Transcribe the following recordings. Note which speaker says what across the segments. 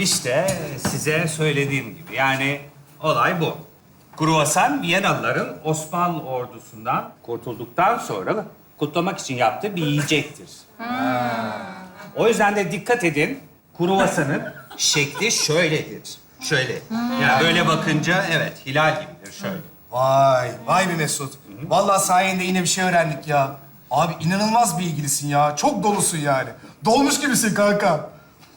Speaker 1: İşte size söylediğim gibi. Yani olay bu. Kruvasan Viyanalıların Osmanlı ordusundan kurtulduktan sonra kutlamak için yaptığı bir yiyecektir. O yüzden de dikkat edin. Kruvasanın şekli şöyledir. Şöyle. Yani böyle bakınca evet hilal gibidir şöyle.
Speaker 2: Vay be Mesut. Vallahi sayende yine bir şey öğrendik ya. Abi inanılmaz bilgilisin ya. Çok dolusun yani. Dolmuş gibisin kanka.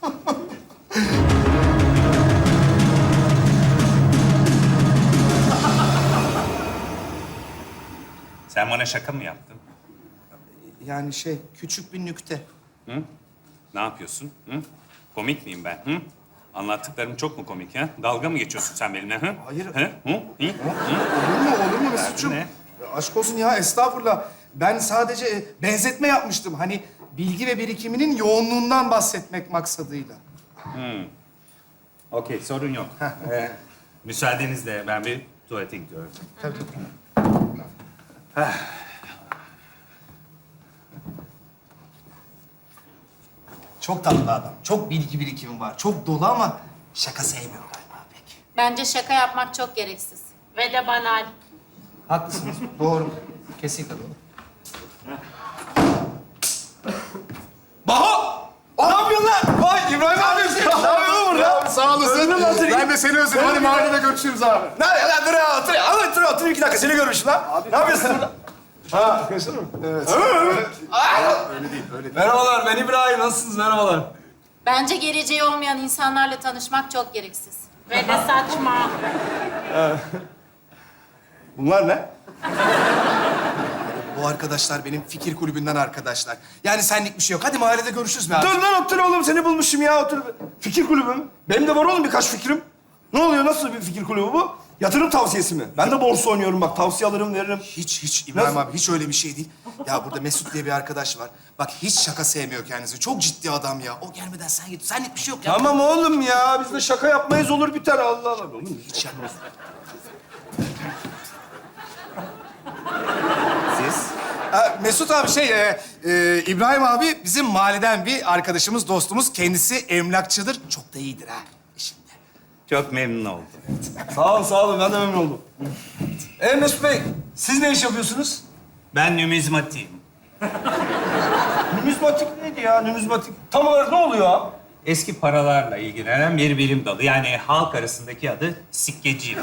Speaker 1: Sen bana şaka mı yaptın?
Speaker 2: Yani küçük bir nükte.
Speaker 1: Hı? Ne yapıyorsun? Hı? Komik miyim ben? Hı? Anlattıklarım çok mu komik ha? Dalga mı geçiyorsun sen benimle? Hı?
Speaker 2: Hayır.
Speaker 1: Hı? Hı? Hı?
Speaker 2: Olur mu Mesut'cum?
Speaker 1: Ne?
Speaker 2: Ya aşk olsun ya, estağfurullah. Ben sadece benzetme yapmıştım. Hani bilgi ve birikiminin yoğunluğundan bahsetmek maksadıyla.
Speaker 1: Okey, sorun yok. Müsaadenizle ben bir tuvalete gidiyorum.
Speaker 2: Tabii. Çok tatlı adam. Çok bilgi birikimi var. Çok dolu ama şaka sevmiyor galiba pek.
Speaker 3: Bence şaka yapmak çok gereksiz. Ve de banal.
Speaker 2: Haklısınız. Doğru. Kesinlikle doğru. Baho! Ne yapıyorsun lan? Vay İbrahim abi. Ne yapıyorsun burada? Abi, sağ olasın. Ben de seni özledim. Hadi mahallede görüşürüz abi.
Speaker 4: Nerede lan? Dur 2 dakika seni görmüşüm lan. Ne yapıyorsun burada?
Speaker 2: Ha, görüşür mü? Evet. Öyle değil.
Speaker 4: Merhabalar, ben İbrahim. Nasılsınız? Merhabalar.
Speaker 3: Bence geleceği olmayan insanlarla tanışmak çok gereksiz. Ve de saçma.
Speaker 4: Bunlar ne?
Speaker 2: Bu arkadaşlar benim fikir kulübünden arkadaşlar. Yani senlik bir şey yok. Hadi mahallede görüşürüz be abi.
Speaker 4: Dur lan otur oğlum, seni bulmuşum ya. Otur. Fikir kulübü mü? Benim de var oğlum birkaç fikrim. Ne oluyor? Nasıl bir fikir kulübü bu? Yatırım tavsiyesi mi? Ben de borsa oynuyorum bak. Tavsiye alırım, veririm.
Speaker 2: Hiç İbrahim
Speaker 4: Nasıl?
Speaker 2: abi hiç öyle bir şey değil. Ya burada Mesut diye bir arkadaş var. Bak hiç şaka sevmiyor kendisi. Çok ciddi adam ya. O gelmeden sen git. Senlik bir şey yok ya.
Speaker 4: Tamam oğlum ya. Biz de şaka yapmayız, olur biter. Allah Allah. Oğlum
Speaker 2: Hiç yapmıyorsun.
Speaker 1: Siz?
Speaker 2: Mesut abi İbrahim abi bizim mahalleden bir arkadaşımız, dostumuz. Kendisi emlakçıdır. Çok da iyidir ha işinde.
Speaker 1: Çok memnun oldum.
Speaker 4: sağ olun. Ben de memnun oldum. Mesut Bey, siz ne iş yapıyorsunuz?
Speaker 1: Ben numizmatiyim.
Speaker 4: Numizmatik neydi ya? Numizmatik. Tam olarak ne oluyor abi?
Speaker 1: Eski paralarla ilgilenen bir bilim dalı. Yani halk arasındaki adı sikkeciyim.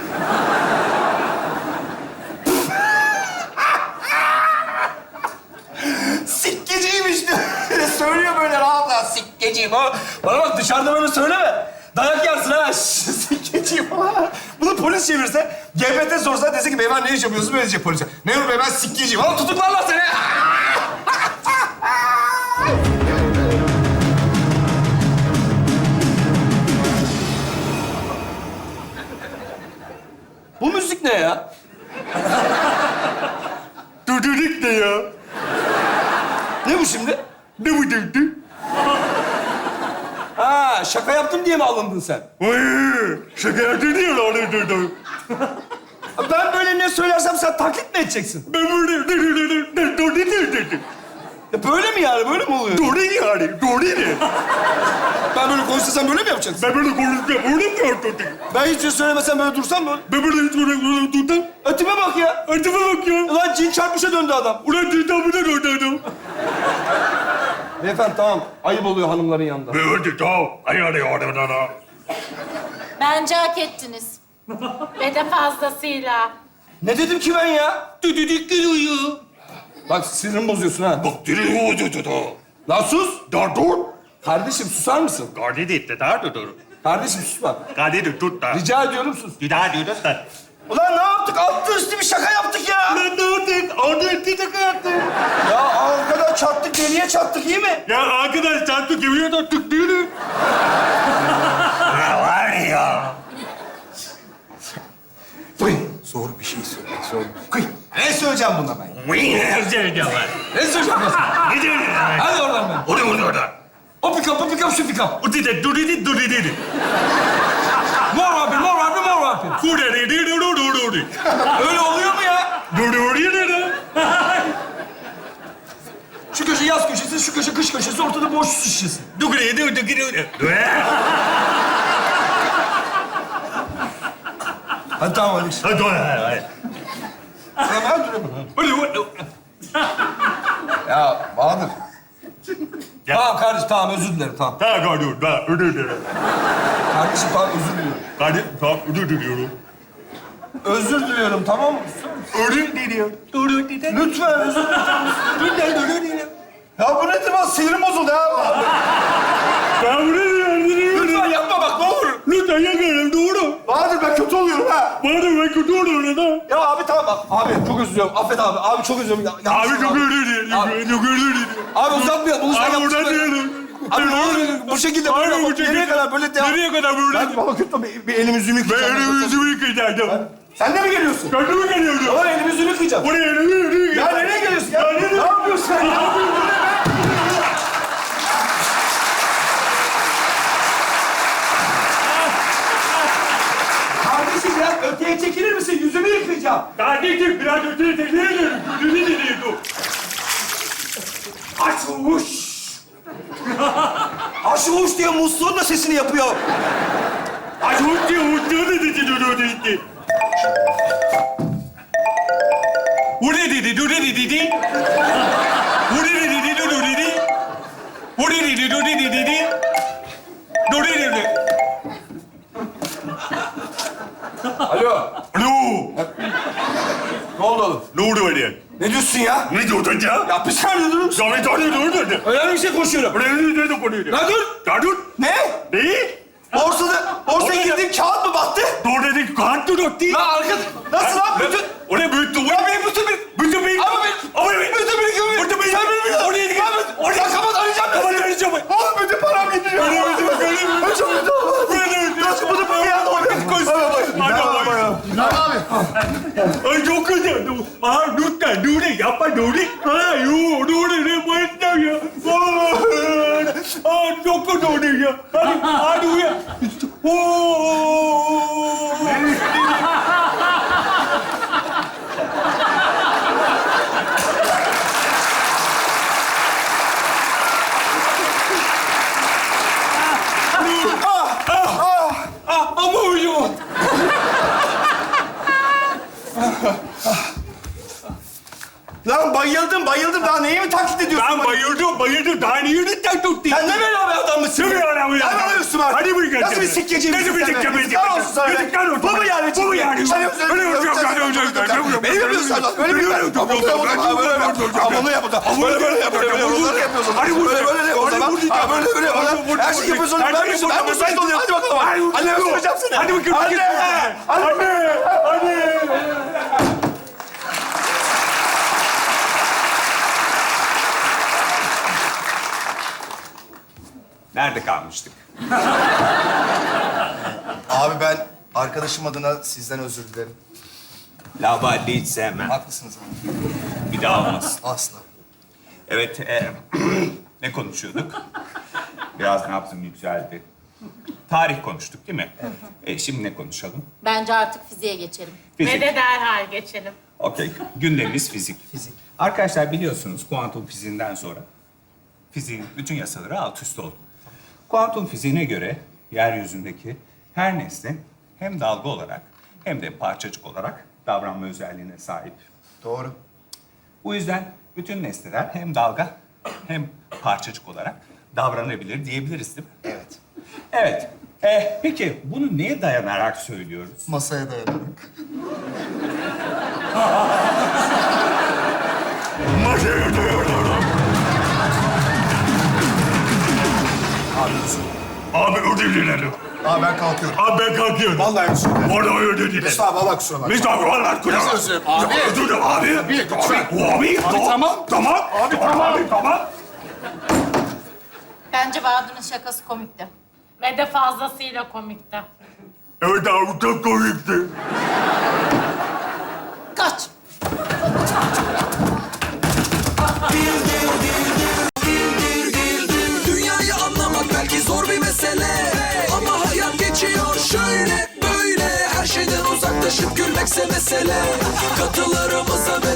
Speaker 4: Sikkeciymiş diyor. Söylüyor böyle rahatla. Sikkeciyim. Bana bak dışarıda böyle söyleme. Dayak yersin ha. Sikkeciyim. Bunu polis çevirse, GBT sorsa dese ki beyefendi ne iş yapıyorsunuz? Böyle diyecek polise. Memur bey ben sikkeciyim. Ama tutuklarlar seni. Bu müzik ne ya? Düdük ne ya? Ne bu şimdi? Ne bu düdük? Ha, şaka yaptım diye mi alındın sen? Hayır, şaka yaptım diye alındım. Ben böyle ne söylersem sen taklit mi edeceksin? Ben böyle ya böyle mi yani? Böyle mi oluyor? Doğru yani, doğru ne? Ben böyle konuşsam böyle mi yapacaksın? Ben böyle konuşsam böyle mi yapacaksın? Ben hiç şey söylemesem böyle dursam mı? Ben böyle hiç böyle durdum. Ötüme bak ya. Ötüme bak ya. Ulan cin çarpmışa döndü adam. Ulan cin çarpmışa döndü adam. Beyefendi tamam. Ayıp oluyor hanımların yanında.
Speaker 3: Bence hak ettiniz. Ve de fazlasıyla.
Speaker 4: Ne dedim ki ben ya? Düdüdük geliyor. Bak sinirimi bozuyorsun ha. Bak lan sus. Dur. Kardeşim susar mısın? Kardeşim susma. Rica ediyorum sus. Ulan ne yaptık? Altı üstü bir şaka yaptık ya. Ulan ne yaptık? Altı üstü şaka yaptık. Ya arkadan çattık, deliye çattık iyi mi?
Speaker 1: Ya arkadaş çarptık yemin attık değil mi? Ya var ya.
Speaker 2: Zor bir şey söyle. Zor bir şey. Kıy. Ne söyleyeceğim buna ben?
Speaker 1: Ne söyleyeceğim ben?
Speaker 4: Ne söyleyeceğim ben sana?
Speaker 1: Ne diyorsun?
Speaker 4: Hadi oradan ben.
Speaker 1: Orada.
Speaker 4: O pikap, şu pikap.
Speaker 1: Duridi.
Speaker 4: Mor vampir. Öyle oluyor mu ya? Şu köşe yaz köşesi, şu köşe kış köşesi, ortada boş su şişesi. Hadi tamam hadi.
Speaker 1: Hadi hadi.
Speaker 4: Ya Bahadır.
Speaker 1: Ya.
Speaker 4: Tamam kardeşim tamam özür dilerim tamam.
Speaker 1: Özür dilerim.
Speaker 4: Kardeşim tamam özür diliyorum.
Speaker 1: Hadi, tamam, özür diliyorum.
Speaker 4: Özür diliyorum tamam mı?
Speaker 1: Özür diliyorum.
Speaker 4: Lütfen özür dilerim. Ya bu nedir lan? Sinirim bozuldu ya. Lütfen yapma bak ne olur.
Speaker 1: Lütfen yakarım, doğru.
Speaker 4: Bahadır ben kötü oluyorum ha.
Speaker 1: Bana ben kötü oluyorum da.
Speaker 4: Ya abi tamam bak. Abi çok özür diliyorum. Affet abi. Abi çok özür diliyorum.
Speaker 1: Abi çok özür dilerim.
Speaker 4: Abi.
Speaker 1: Çok özür dilerim.
Speaker 4: Abi uzatmayalım. Bunu sen
Speaker 1: Abi
Speaker 4: yaptın.
Speaker 1: oradan diyelim.
Speaker 4: Abi ne olur bu şekilde böyle yapalım. Nereye kadar böyle devam?
Speaker 1: Nereye kadar böyle?
Speaker 4: Ben baba kötü bir elimi yüzümü
Speaker 1: Ben
Speaker 4: yıkayacağım.
Speaker 1: elimi yüzümü yıkayacaktım.
Speaker 4: Sen de mi geliyorsun?
Speaker 1: Kendime geliyordu.
Speaker 4: Baba elimi yüzümü yıkayacağım.
Speaker 1: Oraya elimi yüzümü
Speaker 4: Ya nereye geliyorsun? Ya ne yapıyorsun sen ya? Kardeşim biraz öteye çekilir misin? Yüzümü yıkayacağım.
Speaker 1: Kardeşim biraz öteye tekrar ediyorum. Yüzümü dinliyordu.
Speaker 4: Aşuş! Aşuş diye musluğun da sesini yapıyor.
Speaker 1: Acayip diye uçtuğu dedi dedi. Bu ne dedi? Bu ne dedi? Bu ne dedi? Bu ne dedi? Bu ne dedi? Bu ne dedi? Bu ne dedi?
Speaker 4: Alo.
Speaker 1: Alo.
Speaker 4: Ne oldu oğlum?
Speaker 1: Ne oldu öyle?
Speaker 4: Ne diyorsun ya?
Speaker 1: Ne diyordun ya?
Speaker 4: Ya bir saniye durur musun?
Speaker 1: Ya bir tane dur dedi.
Speaker 4: Önemli bir şey konuşuyorum.
Speaker 1: Ne dedi konuyu?
Speaker 4: Ya dur!
Speaker 1: Ya dur.
Speaker 4: Ne?
Speaker 1: Ne?
Speaker 4: Borsaya girdiğim kağıt mı battı?
Speaker 1: Dur dedi. Kağıt dur dedi.
Speaker 4: Lan arkadaş, nasıl lan? Bütün...
Speaker 1: Oraya büyüttü.
Speaker 4: Ya benim bütün bir...
Speaker 1: Bütün bir...
Speaker 4: Ama bütün bir gibi...
Speaker 1: Bütün bir...
Speaker 4: Sen benim bir...
Speaker 1: Oraya git.
Speaker 4: Oraya kapat arayacağım ben.
Speaker 1: Kapat arayacağım.
Speaker 4: Oğlum bütün param gidiyor.
Speaker 1: Öyle mi?
Speaker 4: Ben çok kötü oldum. Nasıl bunu bir anda oraya koy.
Speaker 1: Hadi abi. Ay çok kötü. Aa lütfen dur yapma dur. Aa dur ne bayılacağım ya. Aa çok kötü oldu ya. Hadi uyan. Ama uyuyor.
Speaker 4: Lan bayıldım. Daha neyi mi taklit ediyorsun?
Speaker 1: Ben bayıldım. Daha niye lütfen tuttu?
Speaker 4: Sen ne böyle bir adam mısın?
Speaker 1: Kim ya lan?
Speaker 4: Sen bana üstüme artık.
Speaker 1: Hadi buyur.
Speaker 4: Nasıl bir sikkeci misin
Speaker 1: Nasıl bir
Speaker 4: sen be?
Speaker 1: sikkeci misin?
Speaker 4: Yazıklar olsun sana be.
Speaker 1: Yazıklar olsun.
Speaker 4: Bu mu yani?
Speaker 1: Bu mu yani?
Speaker 4: Sen
Speaker 1: Öyle yapacağım.
Speaker 4: Beni yapıyorsun lan. Böyle bir böyle yapıyorsun. Bunu yap o zaman. Böyle yapıyorsun. Bunları yapıyorsun.
Speaker 1: Hadi vur.
Speaker 4: Böyle yap o zaman. Böyle yapıyorsun. Her şeyi yapıyorsun. Ben müsait oluyorum. Hadi bakalım. Anneme soracağım seni.
Speaker 1: Hadi bakayım. Anne. Nerede kalmıştık?
Speaker 2: Abi ben arkadaşım adına sizden özür dilerim.
Speaker 1: Lavalli hiç sevmem.
Speaker 2: Haklısınız abi.
Speaker 1: Bir daha olmasın.
Speaker 2: Asla.
Speaker 1: Evet, ne konuşuyorduk? Biraz nabzım yükseldi. Tarih konuştuk değil mi? Şimdi ne konuşalım?
Speaker 3: Bence artık fiziğe geçelim.
Speaker 1: Fizik.
Speaker 5: Ve de derhal geçelim.
Speaker 1: Okey. Gündemimiz fizik. Arkadaşlar biliyorsunuz kuantum fiziğinden sonra fiziğin bütün yasaları alt üst oldu. Kuantum fiziğine göre yeryüzündeki her nesne hem dalga olarak hem de parçacık olarak davranma özelliğine sahip.
Speaker 2: Doğru.
Speaker 1: Bu yüzden bütün nesneler hem dalga hem parçacık olarak davranabilir diyebiliriz değil mi?
Speaker 2: Evet.
Speaker 1: Evet. Peki bunu neye dayanarak söylüyoruz?
Speaker 2: Masaya dayanarak.
Speaker 1: Abi ödül dilerim.
Speaker 2: Abi ben kalkıyorum.
Speaker 1: Abi ben kalkıyorum.
Speaker 2: Vallahi özür dilerim.
Speaker 1: Orada ödül dilerim.
Speaker 2: Mesut abi valla kusura bakma.
Speaker 1: Mesut abi vallahi kusura
Speaker 2: Nasıl özür dilerim? Abi.
Speaker 1: Özür dilerim abi.
Speaker 2: Abi, lütfen.
Speaker 1: Abi
Speaker 2: tamam.
Speaker 1: Tamam. Abi tamam.
Speaker 3: Bence Bahadır'ın şakası komikti.
Speaker 5: Ve de fazlasıyla komikti.
Speaker 1: Evet abi çok komikti.
Speaker 3: Kaç.
Speaker 6: Dünyayı anlamak belki zor bir mesele, ama hayat geçiyor şöyle böyle. Her şeyden uzaklaşıp gülmekse mesele. Katılarımıza ve